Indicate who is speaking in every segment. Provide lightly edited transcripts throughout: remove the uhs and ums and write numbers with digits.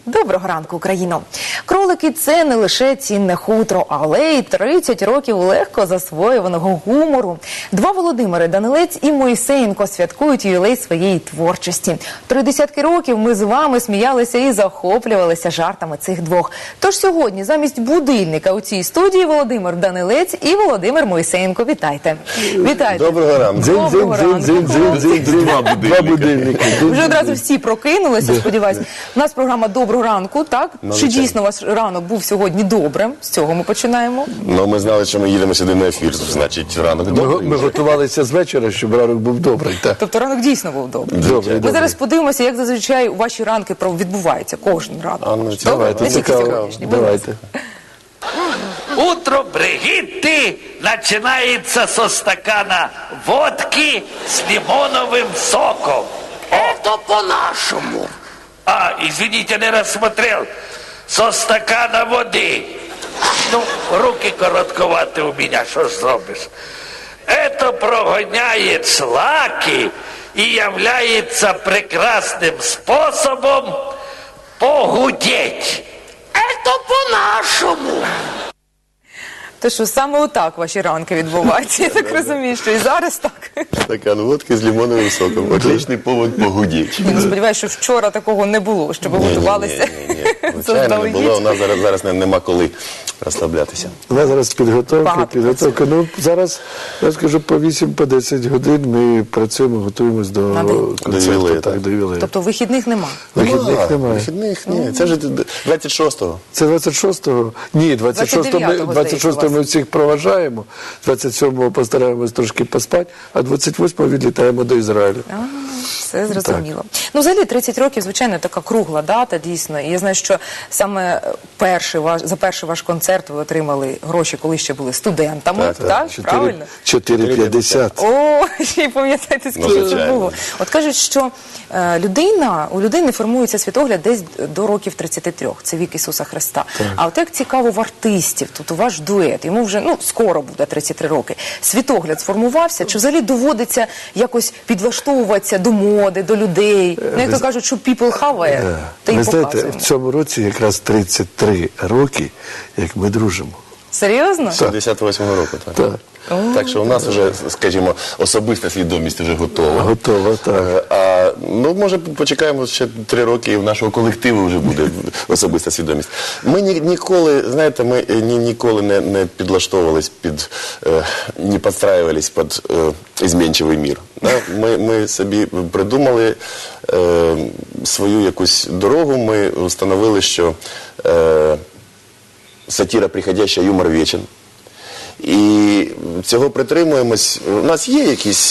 Speaker 1: Доброго ранку, Україно! Кролики – це не лише цінне хутро, але й 30 років легко засвоюваного гумору. Два Володимири – Данилець і Мойсеєнко – святкують ювілей своєї творчості. 30 років ми з вами сміялися і захоплювалися жартами цих двох. Тож сьогодні замість будильника у цій студії Володимир Данилець і Володимир Мойсеєнко. Вітайте! Вітайте!
Speaker 2: Доброго ранку!
Speaker 1: Доброго ранку!
Speaker 2: Два будильники.
Speaker 1: Вже одразу всі прокинулися, сподіваюся. У нас програма «Доброго ранку», так? Чи дійсно ваш ранок був сьогодні добрим? З цього ми починаємо.
Speaker 2: Ну, ми знали, що ми їдемо сюди на ефір, значить, ранок добрий.
Speaker 3: Ми готувалися з вечора, щоб ранок був добрий.
Speaker 1: Тобто ранок дійсно був добрий.
Speaker 3: Добрий.
Speaker 1: Ми зараз подивимося, як зазвичай ваші ранки відбуваються, кожен ранок.
Speaker 3: Давайте, цікаво. Давайте.
Speaker 4: Утро Бригитты начинается со стакана водки с лимоновым соком. Это по-нашему. Извините, не рассмотрел. Со стакана воды. Ну, руки коротковаты у меня, что ж зробишь. Это прогоняет шлаки и является прекрасным способом похудеть. Это по-нашому.
Speaker 1: То що саме отак ваші ранки відбуваються. Я так розумію, що і зараз так.
Speaker 2: Стакан водки з лимоновим соком. Отличний повод погудіть.
Speaker 1: Сподіваюся, що вчора такого не було, щоб ви готувалися.
Speaker 2: Звичайно, не було. У нас зараз нема коли розслаблятися.
Speaker 3: У нас зараз підготовка. Ну, зараз, я скажу, по 8-10 годин ми працюємо, готуємось до концерту. До ювілею.
Speaker 1: Тобто вихідних нема?
Speaker 3: Вихідних немає.
Speaker 2: Вихідних, ні. Це ж 26-го.
Speaker 3: Це 26-го? Ні, 26-го ми всіх проважаємо, 27-го постараємось трошки поспати, а 28-го відлітаємо до Ізраїлю.
Speaker 1: Все зрозуміло. Ну, взагалі, 30 років, звичайно, така кругла дата, дійсно. І я знаю, що саме за перший ваш концерт ви отримали гроші, коли ще були студентами, так? Правильно?
Speaker 3: 4,50.
Speaker 1: О, ще й пам'ятаєте, скільки це було. От кажуть, що у людини формується світогляд десь до років 33. Це вік Ісуса Христа. А от як цікаво в артистів, тут у ваш дует, йому вже, скоро буде 33 роки. Світогляд сформувався? Чи взагалі доводиться якось підлаштовуватися до моди, до людей? Як то кажуть, що people have it, та й
Speaker 3: ви знаєте,
Speaker 1: показуємо.
Speaker 3: в цьому році якраз 33 роки, як ми дружимо.
Speaker 1: Серйозно?
Speaker 2: 58-го року, так. Так що у нас вже, скажімо, особиста свідомість вже готова.
Speaker 3: Готова, так.
Speaker 2: Може, почекаємо ще 3 роки, і в нашого колективу вже буде особиста свідомість. Ми ніколи, знаєте, ніколи не підлаштовувались не підстраювались під змінчивий мір. Ми собі придумали свою якусь дорогу, ми встановили, що сатира приходяща, юмор вечен. І цього притримуємось. У нас є якісь,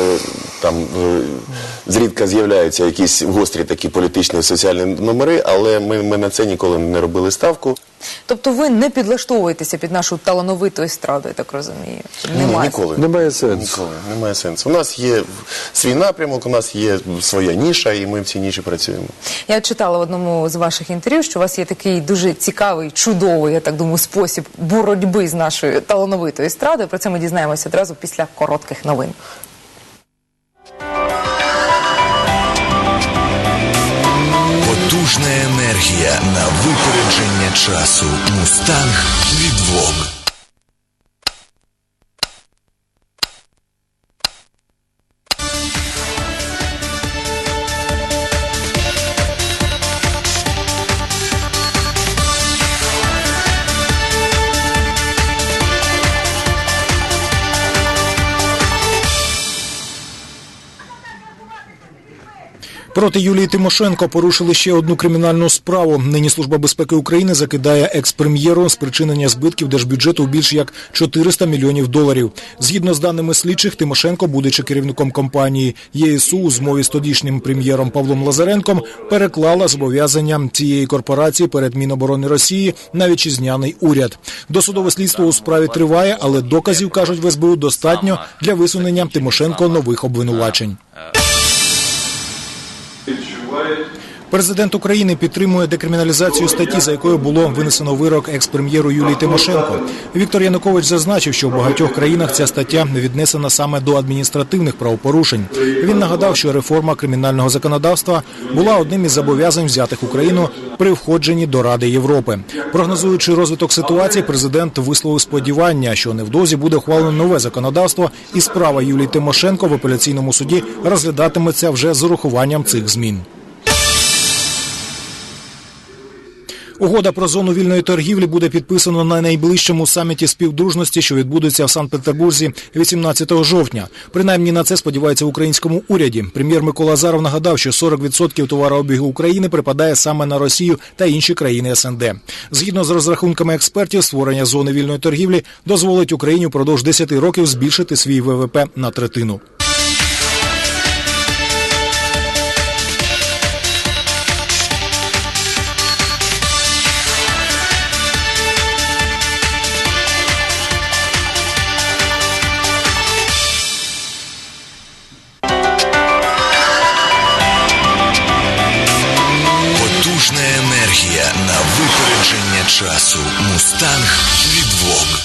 Speaker 2: зрідка з'являються якісь гострі такі політичні, соціальні номери, але ми на це ніколи не робили ставку.
Speaker 1: Тобто ви не підлаштовуєтеся під нашу талановиту естраду, я так розумію?
Speaker 2: Ніколи.
Speaker 3: Немає сенсу.
Speaker 2: Ніколи. Немає сенсу. У нас є свій напрямок, у нас є своя ніша, і ми в цій ніші працюємо.
Speaker 1: Я читала в одному з ваших інтерв'ю, що у вас є такий дуже цікавий, чудовий, я так думаю, спосіб боротьби з нашою талановитою естрадою. Про це ми дізнаємося одразу після коротких новин.
Speaker 5: Потужна енергія на випередження часу. Мустанг від Vogue.
Speaker 6: Проти Юлії Тимошенко порушили ще одну кримінальну справу. Нині Служба безпеки України закидає екс-прем'єру спричинення збитків держбюджету у більш як 400 мільйонів доларів. Згідно з даними слідчих, Тимошенко, будучи керівником компанії ЄСУ, у змові з тодішнім прем'єром Павлом Лазаренком, переклала зобов'язання цієї корпорації перед Міноборони Росії на вітчизняний уряд. Досудове слідство у справі триває, але доказів, кажуть в СБУ, достатньо для висунення Тимошенко нових обвинувачень. Президент України підтримує декриміналізацію статті, за якою було винесено вирок екс-прем'єру Юлії Тимошенко. Віктор Янукович зазначив, що в багатьох країнах ця стаття віднесена саме до адміністративних правопорушень. Він нагадав, що реформа кримінального законодавства була одним із зобов'язань, взятих Україну при входженні до Ради Європи. Прогнозуючи розвиток ситуації, президент висловив сподівання, що невдовзі буде ухвалено нове законодавство і справа Юлії Тимошенко в апеляційному суді розглядатиметься вже з урахуванням цих змін. Угода про зону вільної торгівлі буде підписано на найближчому саміті співдружності, що відбудеться в Санкт-Петербурзі 18 жовтня. Принаймні на це сподівається в українському уряді. Прем'єр Микола Азаров нагадав, що 40% товарообігу України припадає саме на Росію та інші країни СНД. Згідно з розрахунками експертів, створення зони вільної торгівлі дозволить Україні впродовж 10 років збільшити свій ВВП на третину.
Speaker 5: Потужна енергія на випередження часу. Мустанг від Vogue.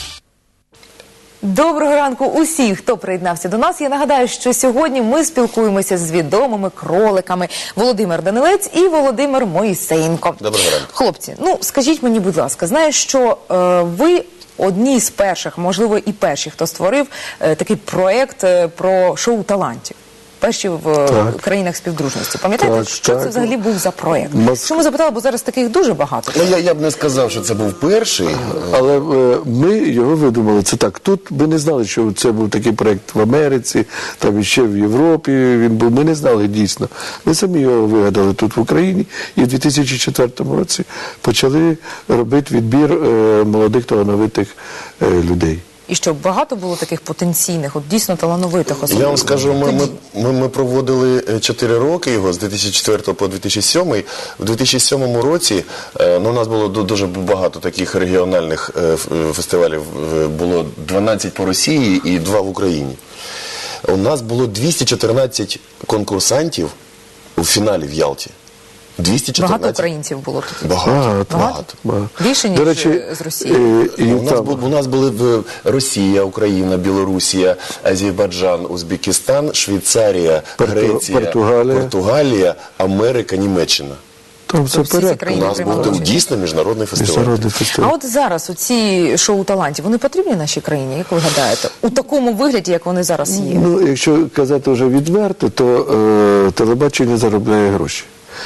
Speaker 1: Доброго ранку усіх, хто приєднався до нас. Я нагадаю, що сьогодні ми спілкуємося з відомими кроликами Володимир Данилець і Володимир Моїсеєнко.
Speaker 2: Доброго ранку.
Speaker 1: Хлопці, скажіть мені, будь ласка, знаю, що ви одні з перших, можливо і перші, хто створив такий проєкт про шоу талантів. Перші в країнах співдружності. Пам'ятаєте, що це взагалі був за проєкт? Чому запитала, бо зараз таких дуже багато.
Speaker 2: Я б не сказав, що це був перший.
Speaker 3: Але ми його видумали. Це так. Тут ми не знали, що це був такий проєкт в Америці, там іще в Європі він був. Ми не знали дійсно. Ми самі його вигадали тут в Україні і в 2004 році почали робити відбір молодих талановитих людей.
Speaker 1: І що багато було таких потенційних, дійсно талановитих осіб?
Speaker 2: Я вам скажу, ми проводили 4 роки його, з 2004 по 2007. В 2007 році у нас було дуже багато таких регіональних фестивалів. Було 12 по Росії і 2 в Україні. У нас було 214 конкурсантів у фіналі в Ялті. 214.
Speaker 1: Багато українців було тут?
Speaker 2: Багато.
Speaker 1: Більше, ніж з Росії?
Speaker 2: У нас були Росія, Україна, Білорусія, Азербайджан, Узбекистан, Швейцарія, Греція, Португалія, Америка, Німеччина.
Speaker 3: Там все порядку.
Speaker 2: У нас був дійсно міжнародний фестиваль.
Speaker 1: А от зараз оці шоу талантів, вони потрібні нашій країні, як ви гадаєте? У такому вигляді, як вони зараз є?
Speaker 3: Якщо казати вже відверто, то телебачення заробляє гроші.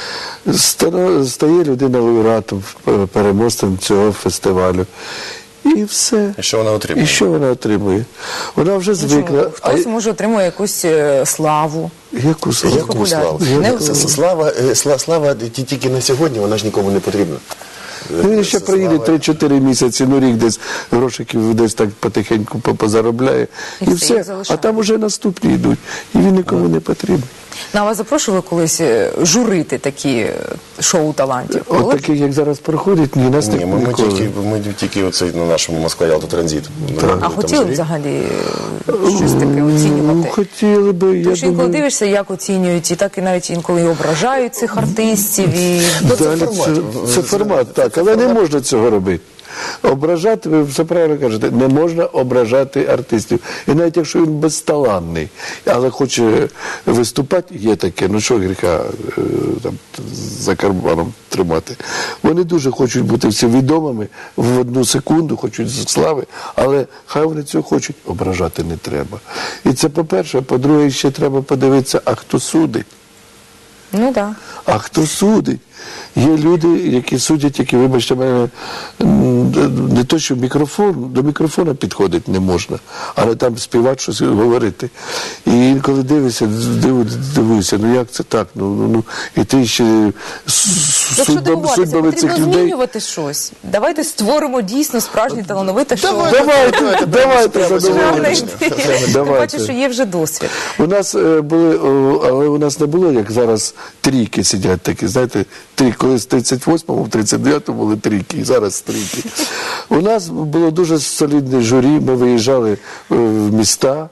Speaker 3: Стає людина лауреатом, переможцем цього фестивалю. І все.
Speaker 2: І що вона отримує?
Speaker 3: І що вона отримує? Вона вже звикла.
Speaker 1: Хтось може отримує якусь славу.
Speaker 3: Яку славу?
Speaker 2: Яку славу? Слава тільки на сьогодні, вона ж нікому не потрібна.
Speaker 3: Він ще приїде 3-4 місяці, рік десь грошиків десь так потихеньку позаробляє. І все. А там уже наступні йдуть. І він нікому не потрібен.
Speaker 1: На вас запрошували колись журити такі шоу талантів?
Speaker 3: От таких, як зараз проходять, ні, нас не ніколи.
Speaker 2: Ми тільки оце на нашому Москва-Ялта-Транзит.
Speaker 1: А хотіли б взагалі щось таке оцінювати?
Speaker 3: Хотіли би, я
Speaker 1: Тому що інколи
Speaker 3: думаю.
Speaker 1: дивишся, як оцінюють, і так і навіть інколи і ображають цих артистів.
Speaker 3: Це формат, так, але не можна цього робити. Ображати, ви все правильно кажете, не можна ображати артистів. І навіть якщо він безталанний, але хоче виступати, є таке, що гріха там, за карманом тримати. Вони дуже хочуть бути всі відомими, в одну секунду хочуть слави, але хай вони цього хочуть, ображати не треба. І це по-перше, а по-друге, ще треба подивитися, а хто судить.
Speaker 1: Ну так.
Speaker 3: А хто судить? Є люди, які судять, які, вибачте мене, не то, що до мікрофона підходити не можна, але там співати, щось говорити. І інколи дивишся, як це так? І ти ще судьбами цих людей.
Speaker 1: Змінювати щось. Давайте створимо дійсно справжнє талановите шоу.
Speaker 3: Давайте задоволені.
Speaker 1: Тим паче, що є вже досвід.
Speaker 3: У нас були, але у нас не було, як зараз, трійки сидять такі, знаєте, колись в 38-му, в 39-му були трійки, і зараз трійки. У нас було дуже солідне журі, ми виїжджали в міста,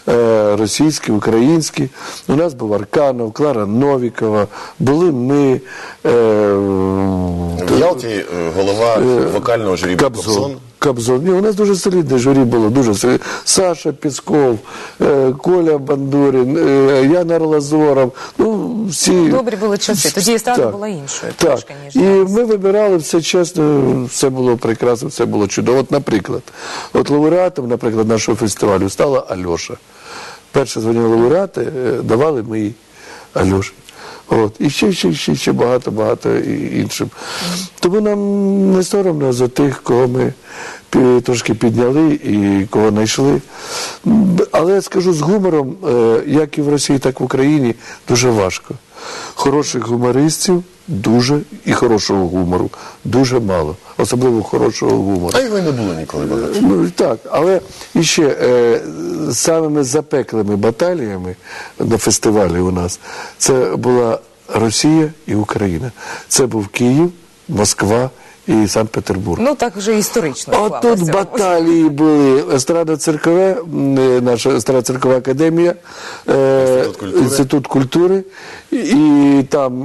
Speaker 3: російські, українські. У нас був Арканов, Клара Новікова, були ми,
Speaker 2: В Ялті голова вокального журі Кобзон.
Speaker 3: Кобзон. Ні, у нас дуже солідне журі було, дуже солідне. Саша Пісков, Коля Бандурін, Яна Орлазоров. Ну, всі...
Speaker 1: Добрі були часи. Тоді естрада була іншою трошки, ніж
Speaker 3: І
Speaker 1: зараз.
Speaker 3: ми вибирали все чесно, все було прекрасно, все було чудово. От, наприклад, лауреатом, наприклад, нашого фестивалю стала Альоша. Перше звання лауреати давали ми їй Альоші. От. І ще багато іншим. Тому нам не соромно за тих, кого ми трошки підняли і кого знайшли. Але я скажу з гумором, як і в Росії, так і в Україні, дуже важко. Хороших гумористів дуже, і хорошого гумору дуже мало. Особливо хорошого гумору.
Speaker 2: А його й не було ніколи багато.
Speaker 3: Ну, так, але іще самими запеклими баталіями на фестивалі у нас це була Росія і Україна. Це був Київ, Москва і Санкт-Петербург.
Speaker 1: Ну, так вже історично
Speaker 3: От
Speaker 1: склалося.
Speaker 3: тут баталії були. Естрадно-циркове, наша естрадно-циркова академія, Інститут культури, і там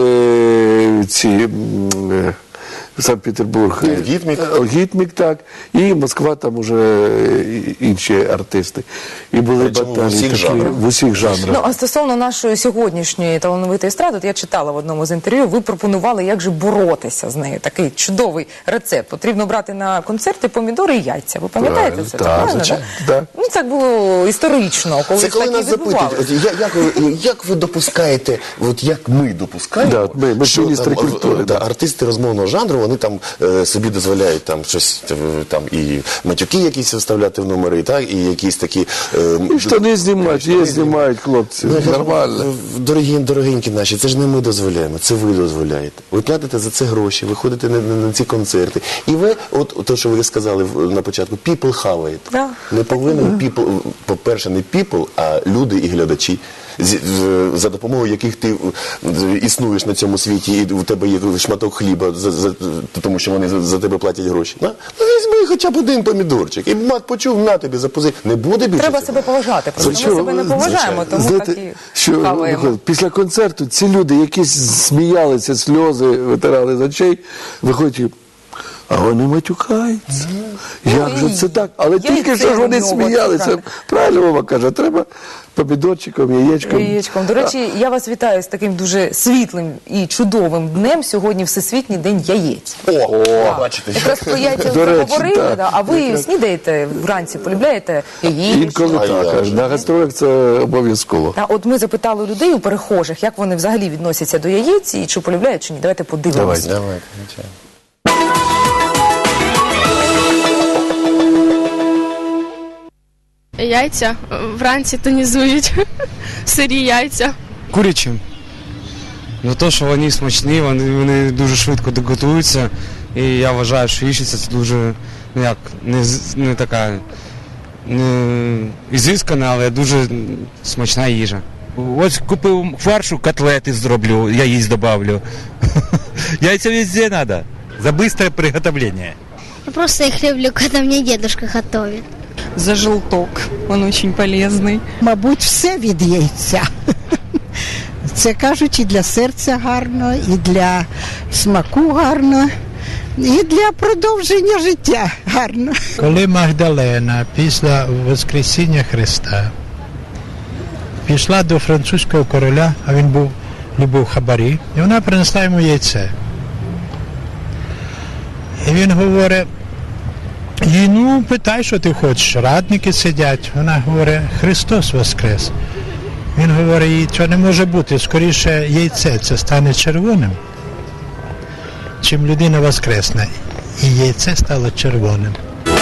Speaker 3: ці... Санкт-Петербург, Гітмік, так, і Москва, там уже інші артисти. І були баталії в усіх жанрах.
Speaker 1: Ну, а стосовно нашої сьогоднішньої талановитої естради, от я читала в одному з інтерв'ю, ви пропонували, як же боротися з нею. Такий чудовий рецепт. Потрібно брати на концерти помідори і яйця. Ви пам'ятаєте це?
Speaker 3: Так,
Speaker 1: правильно,
Speaker 3: звичайно,
Speaker 1: так?
Speaker 3: так.
Speaker 1: Ну, так було історично, коли
Speaker 2: Це коли
Speaker 1: такі
Speaker 2: нас запитують,
Speaker 1: відбувалися.
Speaker 2: як ви допускаєте, от як ми допускаємо,
Speaker 3: Да, ми
Speaker 2: що
Speaker 3: міністри
Speaker 2: там,
Speaker 3: культури,
Speaker 2: да,
Speaker 3: да.
Speaker 2: артисти розмовного жанру, вони там собі дозволяють там щось, там і матюки якісь вставляти в номери, так, і якісь такі...
Speaker 3: І штани знімають хлопці, нормально.
Speaker 2: Дорогенькі наші, це ж не ми дозволяємо, це ви дозволяєте. Ви платите за це гроші, ви ходите на ці концерти. І ви, от те, що ви сказали на початку, people have it.
Speaker 1: Да.
Speaker 2: Не повинен people, по-перше, не people, а люди і глядачі, за допомогою яких ти існуєш на цьому світі, і у тебе є шматок хліба, тому що вони за тебе платять гроші. Ну, візьми хоча б один помідорчик, і мат почув, на тобі, запози. Не буде більше
Speaker 1: Треба
Speaker 2: цього?
Speaker 1: себе поважати, просто ми себе не поважаємо, тому
Speaker 3: Знаєте,
Speaker 1: так і
Speaker 3: що,
Speaker 1: хаваємо.
Speaker 3: Михайло, після концерту ці люди, які сміялися, сльози витирали з очей, виходять, а вони матюкаються. Як же це так? Але тільки що ж вони сміялися. Правильно Вова каже, треба помідорчиком, яєчком.
Speaker 1: До речі, я вас вітаю з таким дуже світлим і чудовим днем. Сьогодні Всесвітній день яєць.
Speaker 2: Бачите.
Speaker 1: Якраз про яйця
Speaker 3: До речі,
Speaker 1: поговорили,
Speaker 3: так.
Speaker 1: да. А ви снідаєте вранці, полюбляєте яєць?
Speaker 3: Інколи так. На гастролях це обов'язково.
Speaker 1: Та от ми запитали людей у перехожих, як вони взагалі відносяться до яєць і чи полюбляють, чи ні. Давайте подивимося.
Speaker 2: Давайте.
Speaker 7: Яйця вранці тонізують, сирі яйця.
Speaker 8: Курячим. За те, що вони смачні, вони дуже швидко готуються. І я вважаю, що яєчниця це дуже, не така ізискана, але дуже смачна їжа.
Speaker 9: Ось купив фаршу, котлети зроблю, яєць добавлю. Яйця везде треба, за быстрое приготовление.
Speaker 10: Я просто их люблю, когда мне дедушка готовит.
Speaker 11: За желток, он очень полезный.
Speaker 12: Мабуть, все від яйця. Це, кажуть, і для серця гарно, і для смаку гарно, і для продовження життя гарно.
Speaker 13: Коли Магдалена після Воскресіння Христа пішла до французького короля, а він любив хабарі, і вона принесла йому яйце. І він говорить, їй, ну, питай, що ти хочеш, радники сидять. Вона говорить, Христос воскрес. Він говорить, їй, що не може бути, скоріше яйце це стане червоним, чим людина воскресне. І яйце стало червоним.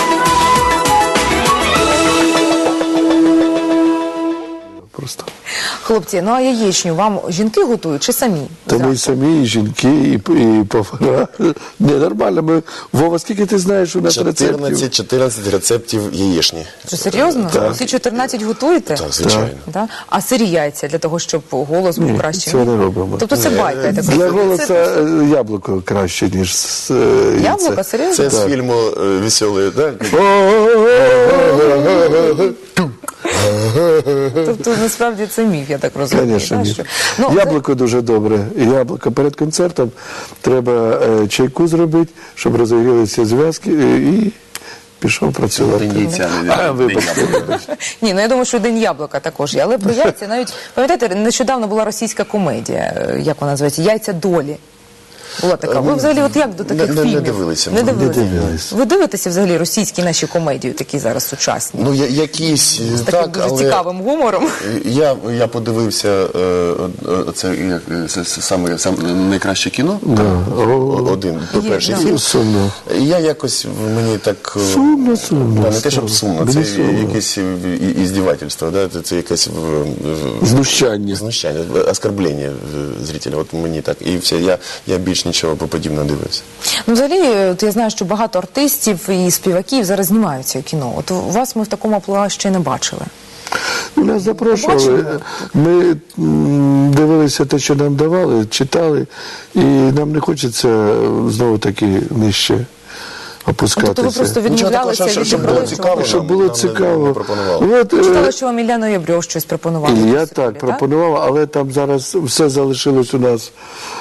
Speaker 3: Просто.
Speaker 1: Хлопці, ну а яєчню вам жінки готують чи самі?
Speaker 3: Та ми самі, і жінки, і повара. Не, нормально. Вова, скільки ти знаєш у нас рецептів?
Speaker 2: 14 рецептів яєчні.
Speaker 1: Що, серйозно?
Speaker 3: Так.
Speaker 1: Всі 14 готуєте?
Speaker 2: Так, звичайно.
Speaker 1: Да? А сирі яйця для того, щоб голос був краще?
Speaker 3: Цього не робимо.
Speaker 1: Тобто це байка, я так
Speaker 3: Для
Speaker 1: розумію.
Speaker 3: голоса яблуко краще, ніж
Speaker 1: Яблуко? Серйозно?
Speaker 2: Це з фільму «Веселий», так?
Speaker 1: Тобто, насправді, це міф, я так розумію.
Speaker 3: Конечно,
Speaker 1: да,
Speaker 3: ні.
Speaker 1: що... Ну,
Speaker 3: Яблуко дуже добре. Яблуко перед концертом треба чайку зробити, щоб розігрілися зв'язки і пішов працювати. Вибачте.
Speaker 1: Ні, ну я думаю, що День яблука також є. Але про яйця навіть, пам'ятаєте, нещодавно була російська комедія, як вона називається, «Яйця долі». Була така. Ви взагалі от як до таких фільмів?
Speaker 2: Не дивилися.
Speaker 1: Не дивилися. Ви дивитеся взагалі російські наші комедії, такі зараз сучасні?
Speaker 2: Ну, якісь,
Speaker 1: з
Speaker 2: так,
Speaker 1: таким дуже
Speaker 2: але
Speaker 1: цікавим гумором.
Speaker 2: Я подивився це саме найкраще кіно. Один, перший фільм.
Speaker 3: Сумно.
Speaker 2: Я якось, мені так...
Speaker 3: Сумно.
Speaker 2: Не те, щоб сумно, це якесь іздівательство, це якесь...
Speaker 3: Знущання.
Speaker 2: Оскорблення зрителя. От мені так. І все, я більш нічого подібного не дивився.
Speaker 1: Ну, взагалі, от я знаю, що багато артистів і співаків зараз знімаються у кіно. От вас ми в такому амплуа ще не бачили.
Speaker 3: Нас запрошували, ми дивилися те, що нам давали, читали, і нам не хочеться знову таки нижче опускатися.
Speaker 1: Тобто ви просто відмовлялися від
Speaker 3: щоб було цікаво.
Speaker 1: Читали, що вам Ілля Ноябрьов щось пропонував.
Speaker 3: Я так пропонував, але там зараз все залишилось у нас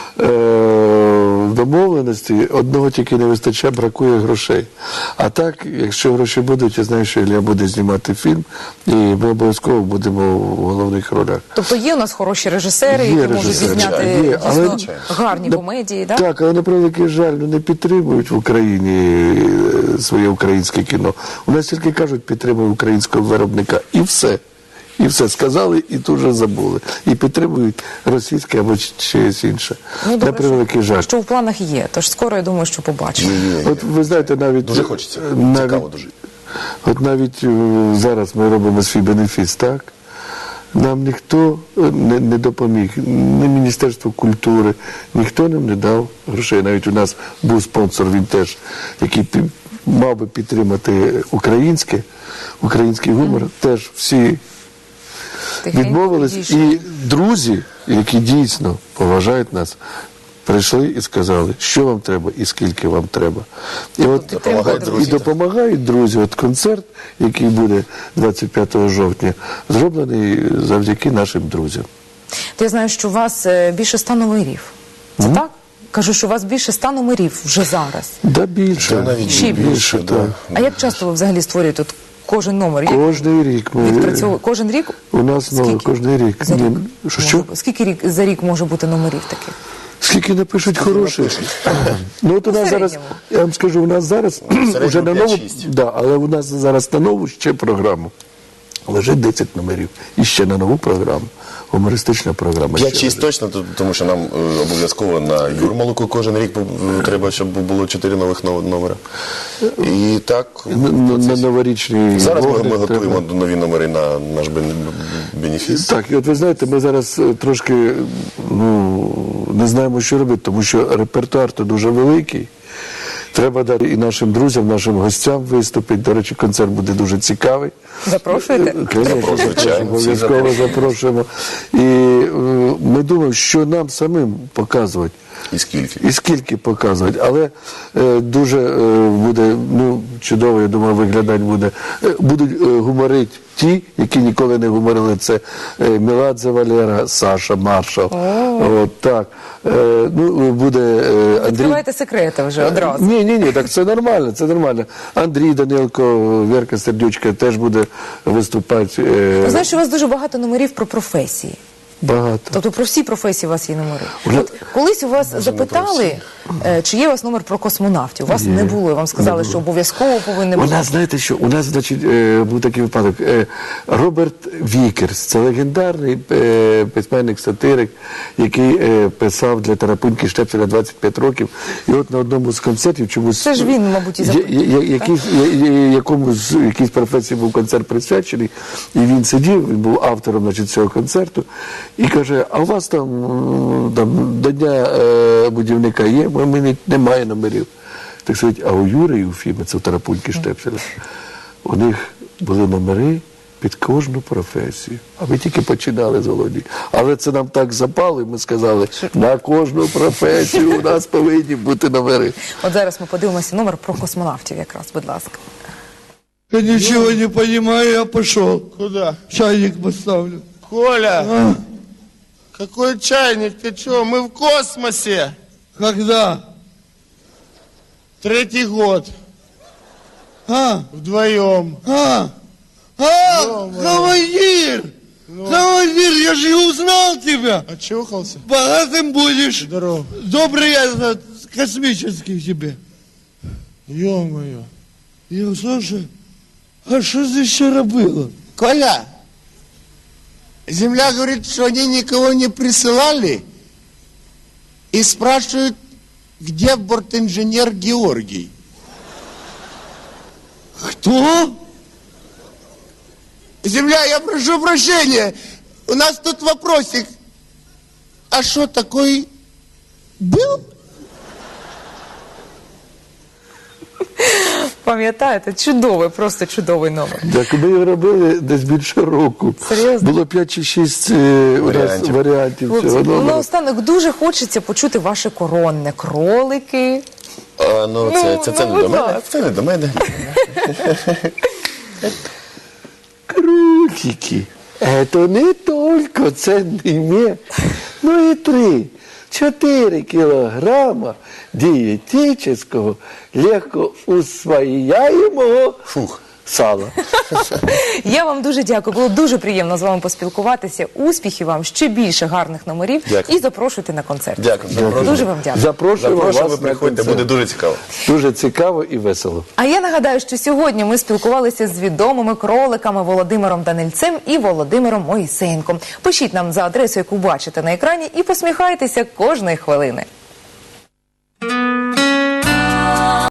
Speaker 3: в домовленості, одного тільки не вистачає, бракує грошей. А так, якщо гроші будуть, я знаю, що Ілля буде знімати фільм, і ми обов'язково будемо в головних ролях.
Speaker 1: Тобто є у нас хороші режисери, які можуть зняти дійсно гарні комедії, так?
Speaker 3: Так, але на превеликий жаль, не підтримують в Україні своє українське кіно. У нас тільки кажуть, підтримують українського виробника, і все. І все сказали, і тут же забули. І підтримують російське або щось інше.
Speaker 1: Ну,
Speaker 3: на превеликий жаль.
Speaker 1: Що в планах є, тож скоро, я думаю, що побачимо.
Speaker 3: От ви знаєте, навіть...
Speaker 2: Дуже хочеться, цікаво дуже.
Speaker 3: От навіть зараз ми робимо свій бенефіс, так? Нам ніхто не допоміг, ні Міністерство культури, ніхто нам не дав грошей. Навіть у нас був спонсор, він теж, який мав би підтримати український гумор, теж всі відмовились. І друзі, які дійсно поважають нас, прийшли і сказали, що вам треба і скільки вам треба. І допомагають друзі. От концерт, який буде 25 жовтня, зроблений завдяки нашим друзям.
Speaker 1: То я знаю, що у вас більше 100 номерів. Це так? Кажу, що у вас більше 100 номерів вже зараз.
Speaker 3: Да, більше.
Speaker 1: Ще більше,
Speaker 3: так.
Speaker 1: А як часто ви взагалі створюєте кожен номер?
Speaker 3: Кожний рік.
Speaker 1: Кожен рік?
Speaker 3: У нас кожний рік.
Speaker 1: Скільки за рік може бути номерів таких?
Speaker 3: Скільки напишуть хороших. Ну от у нас зараз, я вам скажу, у нас зараз вже на нову, але у нас зараз на нову ще програму лежить 10 номерів. І ще на нову програму. Гумористична програма.
Speaker 2: 5-6 точно, тому що нам обов'язково на Юрмалуку кожен рік треба, щоб було 4 нових номера. І так...
Speaker 3: На новорічні...
Speaker 2: Зараз ми готуємо нові номери на наш бенефіс.
Speaker 3: Так, і от ви знаєте, ми зараз трошки не знаємо, що робити, тому що репертуар то дуже великий. Треба дати і нашим друзям, нашим гостям виступити. До речі, концерт буде дуже цікавий.
Speaker 1: Запрошуєте?
Speaker 3: Звичайно, обов'язково запрошуємо. І ми думаємо, що нам самим показувати. І скільки показувати. Але дуже буде чудово, я думаю, виглядати буде. Будуть гуморити ті, які ніколи не гуморили. Це Меладзе Валера, Саша Маршал. От так. Буде Андрій...
Speaker 1: Відкривайте секрети вже одразу.
Speaker 3: Ні, так це нормально, це нормально. Андрій Данилко, Вірка Сердючка теж буде виступати.
Speaker 1: Ви знаєте, що у вас дуже багато номерів про професії.
Speaker 3: Багато.
Speaker 1: Тобто про всі професії у вас є номери. От колись у вас запитали, чи є у вас номер про космонавтів. У вас не було, вам сказали, що обов'язково повинен бути.
Speaker 3: У нас, знаєте що, у нас, значить, був такий випадок. Роберт Вікерс, це легендарний письменник-сатирик, який писав для Тарапуньки Штепселя 25 років. І от на одному з концертів чомусь...
Speaker 1: Це ж він, мабуть, і
Speaker 3: якійсь професії був концерт присвячений, і він сидів, він був автором, значить, цього концерту, і каже, а у вас там до Дня будівника є? У мене немає номерів. Так сказати, а у Юри і у Фіми, це у Тарапуньки Штепселя, у них були номери під кожну професію. А ми тільки починали з Володі. Але це нам так запало, і ми сказали, на кожну професію у нас повинні бути номери.
Speaker 1: От зараз ми подивимося номер про космонавтів якраз, будь ласка.
Speaker 14: Я ничего не понимаю, я пошел.
Speaker 15: Куда?
Speaker 14: Чайник поставлю.
Speaker 15: Коля! Какой чайник? Ты что? Мы в космосе!
Speaker 14: Когда?
Speaker 15: 3-й год. Вдвоем.
Speaker 14: Командир! Командир, я же узнал тебя!
Speaker 15: Очухался?
Speaker 14: Богатым будешь.
Speaker 15: Здорово.
Speaker 14: Добрый я космический тебе.
Speaker 15: Ё-моё.
Speaker 14: Слушай, а что здесь вчера было?
Speaker 15: Коля, Земля говорит, что они никого не присылали и спрашивают, где бортинженер Георгий.
Speaker 14: Кто?
Speaker 15: Земля, я прошу прощения, у нас тут вопросик. А что, такой был?
Speaker 1: Пам'ятаєте, чудовий, просто чудовий номер.
Speaker 3: Так, ми його робили десь більше року.
Speaker 1: Серйозно?
Speaker 3: Було 5 чи 6 варіантів
Speaker 1: Хлопці,
Speaker 3: цього номера.
Speaker 1: наостанок дуже хочеться почути ваше коронне. Кролики.
Speaker 2: Це не до мене. Це не до мене.
Speaker 3: Крутики. Это не только ценный мед, но и 3-4 килограмма диетического, легко усвояемого сала.
Speaker 1: Я вам дуже дякую. Було дуже приємно з вами поспілкуватися. Успіхів вам, ще більше гарних номерів.
Speaker 2: Дякую.
Speaker 1: І запрошуйте на концерт.
Speaker 2: Дякую.
Speaker 1: Дуже вам дякую.
Speaker 3: Запрошуємо вас
Speaker 2: ви
Speaker 3: на
Speaker 2: приходьте,
Speaker 3: концерт.
Speaker 2: буде дуже цікаво.
Speaker 3: Дуже цікаво і весело.
Speaker 1: А я нагадаю, що сьогодні ми спілкувалися з відомими кроликами Володимиром Данильцем і Володимиром Моїсеєнком. Пишіть нам за адресу, яку бачите на екрані, і посміхайтеся кожної хвилини.